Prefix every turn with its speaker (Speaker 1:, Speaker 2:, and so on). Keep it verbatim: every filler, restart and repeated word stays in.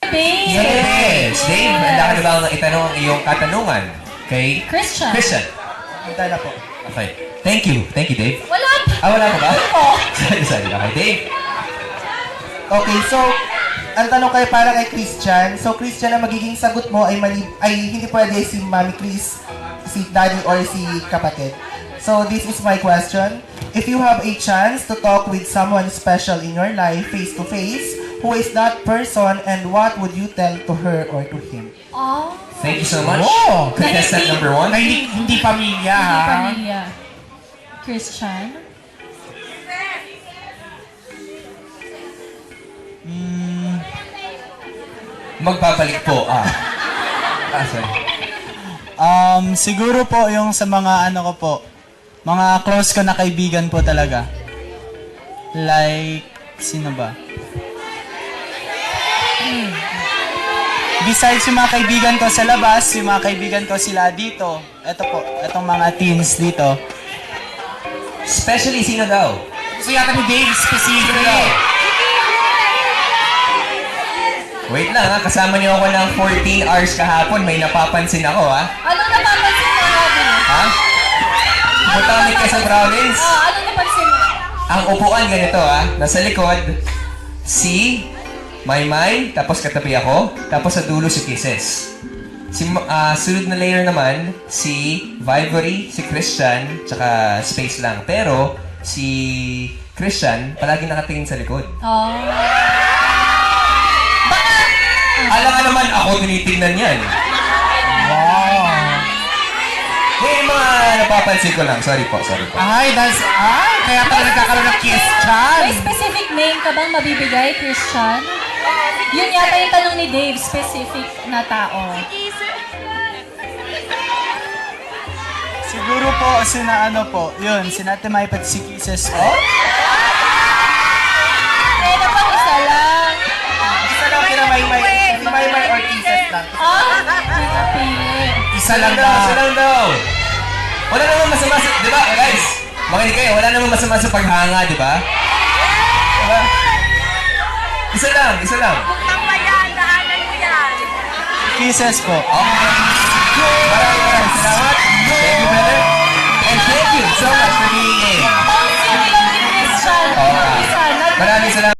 Speaker 1: Dave.
Speaker 2: Yes! Dave, handa ka na ba ang itanong ang iyong katanungan kay
Speaker 1: Christian.
Speaker 2: Christian?
Speaker 3: Handa na po.
Speaker 2: Okay. Thank you. Thank you, Dave.
Speaker 1: Wala pa.
Speaker 2: Ah, wala pa ba?
Speaker 1: Ako.
Speaker 2: Sorry, sorry. Okay, Dave.
Speaker 3: Okay, so, ang tanong kayo para kay Christian. So, Christian, ang magiging sagot mo ay, mali, ay hindi pwede si Mami Chris, si Daddy, or si kapatid. So, this is my question. If you have a chance to talk with someone special in your life face-to-face, who is that person and what would you tell to her or to him?
Speaker 1: Oh.
Speaker 2: Thank you so much.
Speaker 4: Oh!
Speaker 2: Contestant
Speaker 1: Hindi-
Speaker 2: number one.
Speaker 4: Na hindi, hindi pamilya,
Speaker 1: Hindi
Speaker 4: ha?
Speaker 1: pamilya. Christian.
Speaker 2: Magbabalik po. Ah. Ah, sorry.
Speaker 5: Um, siguro po yung sa mga ano ko po, mga close ko na kaibigan po talaga. Like, sino ba? Hmm. Besides yung mga kaibigan ko sa labas, yung mga kaibigan ko sila dito. Ito po, itong mga teens dito.
Speaker 2: Especially, sino daw?
Speaker 4: Gusto yata ni Dave specific.
Speaker 2: Wait lang ha, kasama niyo ako ng fourteen hours kahapon. May napapansin ako ha.
Speaker 1: Ano napapansin mo, Robin?
Speaker 2: Ha? Pumunta kami kayo sa province.
Speaker 1: Oh, ano napansin mo?
Speaker 2: Ang upuan ganito ha, nasa likod, si Maymay, tapos katabi ako, tapos sa dulo si Kisses. Si, ah, sunod na layer naman, si Vivory, si Christian, tsaka Space lang. Pero, si Christian, palagi nakatingin sa likod.
Speaker 1: Oh.
Speaker 2: Alam nga naman, ako tinitingnan yan.
Speaker 4: Wow!
Speaker 2: May mga napapansin ko lang. Sorry po, sorry po.
Speaker 4: Ay, that's... Ay, kaya pala nagkakaroon ng kiss chan.
Speaker 1: May specific name ka bang mabibigay, Christian? Yun yata yung tanong ni Dave, specific na tao.
Speaker 5: Siguro po, sina ano po, yun, sinatimay pati si Kisses po.
Speaker 1: Eh, naman isa lang.
Speaker 3: Isa lang kina Maymay, si Maymay or Kisses lang.
Speaker 1: Ah, pinapili.
Speaker 4: Isa
Speaker 2: Lang
Speaker 4: lang
Speaker 2: daw, isa
Speaker 4: daw.
Speaker 2: lang daw. Wala namang masama sa... Di ba, guys? Makinig kayo, wala namang masama sa paghanga, di ba? Diba? Isa lang, isa lang.
Speaker 5: Kisses po.
Speaker 2: Okay. Maraming maraming salamat. Thank you, brother. And thank you so much for being here.
Speaker 1: Pang sino lang ni Christian.
Speaker 2: Oo.
Speaker 1: Isa, not
Speaker 2: Maraming salamat.